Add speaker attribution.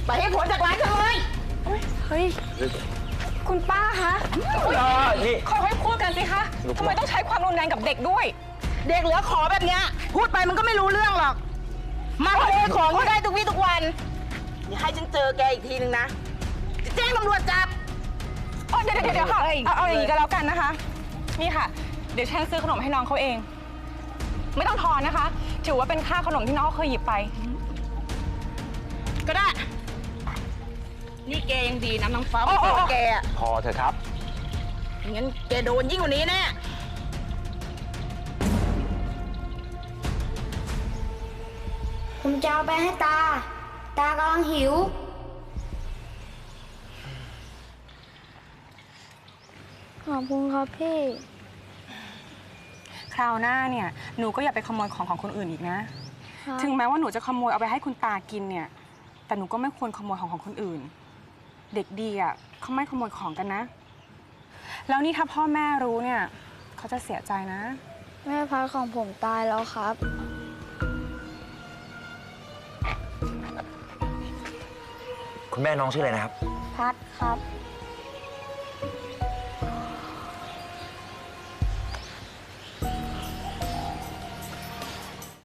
Speaker 1: ไปให้พ้นจากร้านฉันเลย
Speaker 2: เฮ้ยคุณป้าคะ
Speaker 3: นี่
Speaker 2: ค่อยๆพูดกันสิคะทำไมต้องใช้ความรุนแรงกับเด็กด้วย
Speaker 1: เด็กเหลือขอแบบเนี้ยพูดไปมันก็ไม่รู้เรื่องหรอกมาขโมยของก็ได้ทุกวี่ทุกวันอย่าให้ฉันเจอแกอีกทีนึงนะจะแจ้งตำรวจจับ
Speaker 2: เดี๋ยวค่ะเอาอย่างนี้ก็แล้วกันนะคะนี่ค่ะเดี๋ยวฉันซื้อขนมให้น้องเขาเองไม่ต้องทอนนะคะถือว่าเป็นค่าขนมที่น้องเคยหยิบไป
Speaker 1: ก็ได้นี่แกยังดีนะน้องฟ้าแก
Speaker 3: พอเถอะครับ
Speaker 1: งั้นแกโดนยิ่งกว่านี้แน่
Speaker 4: ผมจะเอาไปให้ตา ตากำลังหิว ขอบคุณครับพี่
Speaker 2: คราวหน้าเนี่ยหนูก็อย่าไปขโมยของคนอื่นอีกนะถึงแม้ว่าหนูจะขโมยเอาไปให้คุณตากินเนี่ยแต่หนูก็ไม่ควรขโมยของคนอื่นเด็กดีอ่ะเขาไม่ขโมยของกันนะแล้วนี่ถ้าพ่อแม่รู้เนี่ยเขาจะเสียใจนะ
Speaker 4: แม่พัดของผมตายแล้วครับ
Speaker 3: คุณแม่น้องชื่ออะไรนะครับ
Speaker 4: พัดครับ